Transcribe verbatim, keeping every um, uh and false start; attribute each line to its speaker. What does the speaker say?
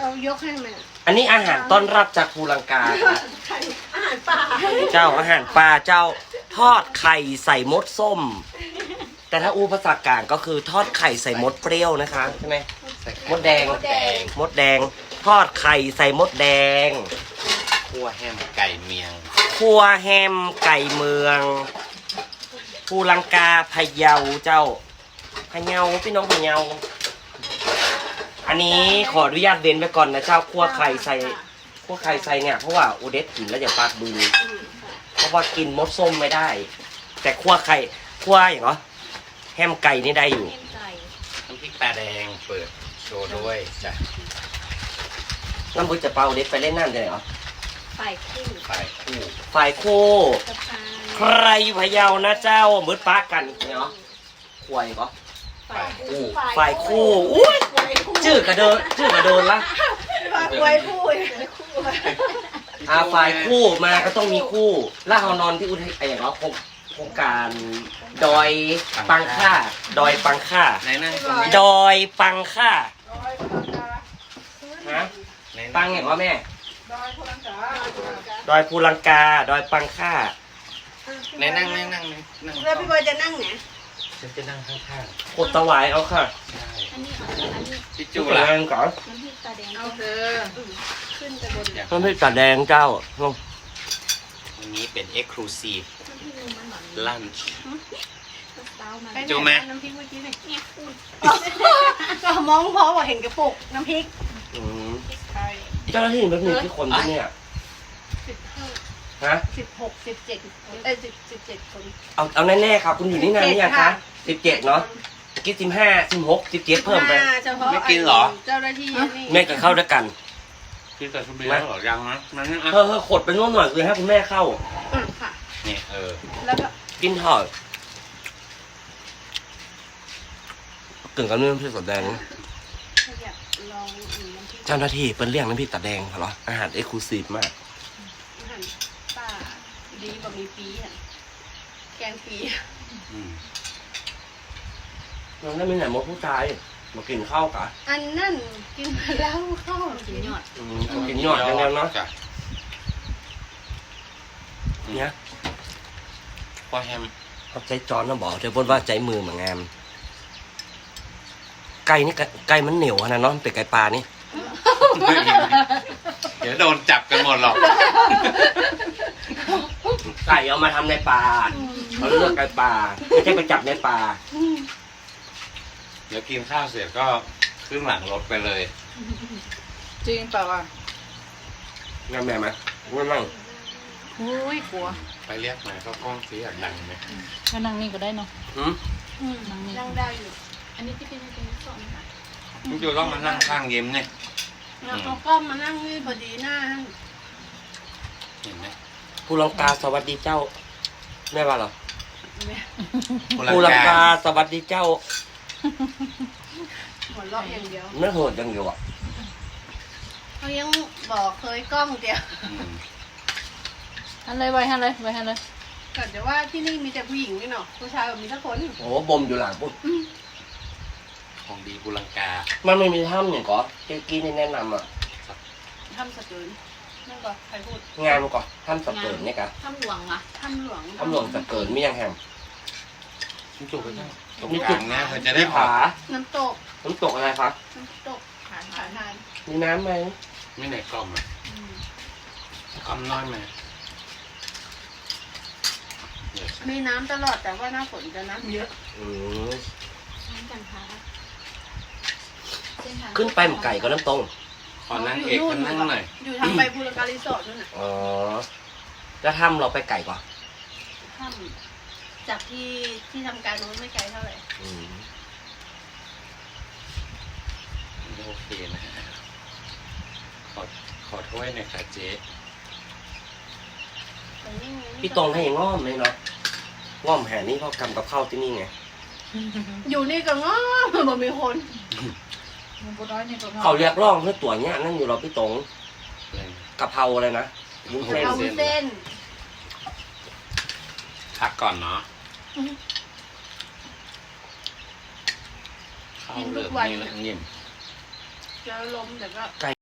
Speaker 1: เอายกให้มัน
Speaker 2: อันนี้อาหารต้อนรับจากภูลังกา
Speaker 1: อาหารป่า
Speaker 2: เจ้าอาหารปลาเจ้าทอดไข่ใส่มดส้มแต่ถ้าอูภาษากลางก็คือทอดไข่ใส่มดเปรี้ยวนะคะใช่ไหมมดแดงมดแดงทอดไข่ใส่มดแดง
Speaker 3: คั่วแฮมไก่เมียง
Speaker 2: คั่วแฮมไก่เมืองภูลังกาพะเยาเจ้าพะเยาพี่น้องพะเยาอันนี้ขออนุญาตเว้นไว้ก่อนนะเจ้าคั่วไข่ใส่คั่วไข่ใส่เนี่ยเพราะว่าอูเดสกินแล้วอย่าปากบืนเพราะว่ากินมดส้มไม่ได้ แต่คั่วไข่คั่วอย่างเหรอแฮมไก่นี่ได้อยู่
Speaker 3: น้ำพริกตาแดงเปิดโชว์ด้วยจ้ะ
Speaker 2: น้ำบุญจะเปาเด็ดไปเล่นน้ำจะไหนเหรอ
Speaker 1: ฝ่ายคู่
Speaker 3: ฝ่ายคู่
Speaker 2: ฝ่ายคู่ใครอยู่พะเยานะเจ้ามืดป้ากันเนาะควายก็
Speaker 3: ฝ่ายคู่
Speaker 2: ฝ่ายคู่อุ้ยชื่อกระเดินชื่อกระเดินละ
Speaker 1: ฝ่ายคู่
Speaker 2: อ่าฝ่ายคู่มาก็ต้องมีคู่ล่าเฮานอนที่อุทัยอะไรอย่างเงี้ยโครงการดอยปังค่าดอยปังค่าดอยปังค่าฮะปังอย่างว่าแม่ดอยภูลังกาดอยภูลังกาดอยปังค่า
Speaker 3: ไหนนั่งนั่งนั่งนั่ง
Speaker 1: แล้วพี่บอยจะนั่งไหน
Speaker 3: ฉันจะนั่งข้าง
Speaker 2: ๆกดตะวายเอาค่ะ
Speaker 1: อันนี้อันนี้
Speaker 3: พี่จูละ
Speaker 2: ก่อน
Speaker 1: น้ำพริกตาแดงเอาเถอะขึ้นไปบน
Speaker 2: น้ำพริกตาแดงเจ้า
Speaker 3: วันนี้เป็น Exclusive Lunch
Speaker 1: จูไหมน้ำพริกเมื่อกี้เนี่ยก็มองเพราะว่าเห็นกระปุกน้ำพริก
Speaker 2: เจ้าหน้าที่แบบนี้ที่คนที่เนี่ย
Speaker 1: สิบห้า
Speaker 2: ฮะ
Speaker 1: สิบหกสิบเจ็ดเอ้ยสิบสิบเจ็ดคน
Speaker 2: เอาเอาแน่ๆครับคุณอยู่นี่นานหรือยังคะสิบเจ็ดเนาะกินสิบห้าสิบหกสิบเจ็ดเพิ่มไป
Speaker 3: ไม่กินเหรอ
Speaker 1: เจ้าหน้าที่นี่
Speaker 2: แม่กินข้าวด้วยกัน
Speaker 3: กินแต่ชุบเบียร์หรอยังนะมัน
Speaker 2: เออเออขดไปนู่นหน่อยคือให้คุณแม่เข้า
Speaker 1: อืมค่ะ
Speaker 3: นี่เออ
Speaker 1: แล้วก็
Speaker 2: กินถอดกึ่งกับน้ำพริกตาแดงเจ้าหน้าที่เป็นเรื่องน้ำพริกตาแดงเหรออาหารเอ็กซ์คลูซีฟมาก
Speaker 1: อาหารป่าดีกว่ามีปีอ่ะแกงปี
Speaker 2: น้องได้ไม่ไหนมดผู้ชายมากินข้าวกะ
Speaker 1: อันนั่นกินมาแล้วข้าวกินยอด
Speaker 2: กินยอดยังไงเนาะเนี่ย
Speaker 3: พอแฮม
Speaker 2: เอาใจจอนนะบอกเดี๋ยวพูดว่าใจมือเหมือนงามไก่นี่ไก่มันเหนียวนะเนาะเป็นไก่ปลานี่
Speaker 3: เดี๋ยวโดนจับกันหมดหรอก
Speaker 2: ไก่เอามาทำในป่าเขาเลือกไก่ป่าไม่ใช่ไปจับในป่า
Speaker 3: เดี๋ยวกินข้าวเสร็จก็ขึ้นหลังรถไปเลย
Speaker 1: จริงเปล่าอ่ะ
Speaker 2: งั้นแม่ไหมงั้นนั่ง
Speaker 1: โอ้ยกลัว
Speaker 3: ไปเรียกมาก็กล้องสีอยากดังไหม
Speaker 1: ก็นั่งนี่ก็ได้เนาะ
Speaker 2: อืม
Speaker 1: นั่งนี่นั่งได้อยู่อันนี้ที่เป็นเป็นสองค่ะ
Speaker 3: คุณจูต้องมานั่งข้างเยิ้มเนี่ย
Speaker 1: แล้วเขาก็มานั่งนี่พอดีหน้า
Speaker 3: เห็นไหม
Speaker 2: ภูลังกาสวัสดีเจ้าแม่ว่าหรอ
Speaker 3: ภูลัง
Speaker 2: กาสวัสดีเจ้า
Speaker 1: หัวเราะอย่างเดียว
Speaker 2: ไม่โหดอย่างเดียวอ่ะ
Speaker 1: เขายังบอกเคยกล้องเดียวฮันเลยไว้ฮันเลยไว้ฮันเลยก่อนจะว่าที่นี่มีแต่ผู้หญิงนี่เนาะผู้ชายมีสักคน
Speaker 2: โอ้บ่มอยู่หลังปุ๊บ
Speaker 3: ของดีภูลังกา
Speaker 2: มันไม่มีถ้ำอย่างก่อเจ๊กี้นี่แนะนำอ่ะ
Speaker 1: ถ้ำสะเกินนั่นก่อนใครพูด
Speaker 2: งานก่อนถ้ำสะเกินนี่กะ
Speaker 1: ถ้ำหลวงอ่ะถ้ำหลวง
Speaker 2: ถ้ำหลวงสะเกินมียังแฮม
Speaker 3: น้ำตกไปเจ้ามีจุดนะเขาจะได้ผา
Speaker 1: น้ำตก
Speaker 2: น้ำตกอะไรครับ
Speaker 1: น้ำตกผาผาทาน
Speaker 2: มีน้ำไหม
Speaker 3: ไม่ไหนกล่อมอ่ะกล่อมน้อยไหม
Speaker 1: มีน้ำตลอดแต่ว่าหน้าฝนจะน้ำเยอะ
Speaker 2: อืม
Speaker 1: น้ำกันพา
Speaker 2: ขึ้นไปหมไก่ก็น้ำตรง
Speaker 3: ขอนั่งเอกก็นั่งหน่อย
Speaker 1: อยู่ทางไปภูลังการีสอร์ทนู่นน่ะ
Speaker 2: อ๋อแล้วถ้ำเราไปไก่ก่อน
Speaker 1: ถ้ำจากที่ที่ทำการนู้นไม่ไกลเท่าไหร่
Speaker 3: โอเคนะฮะขอขอโทษหน่อยค่ะเจ๊
Speaker 2: พี่ตรงให้ง้อมเลยเนาะง้อมแห่นี่เขากำกับข้าวที่นี่ไง
Speaker 1: อยู่นี่ก็ง้อมบ่มีคน
Speaker 2: เขาเรียกร้องเพื่อตัวเนี้ยนั่นอยู่เราพี่ตรงกะเพราอะไรนะ
Speaker 1: วุ้นเส้นวุ้นเส้น
Speaker 3: พักก่อนเนาะข้าวเหลืองนี่แหละยิ่ม
Speaker 1: จะล้มแต่ก็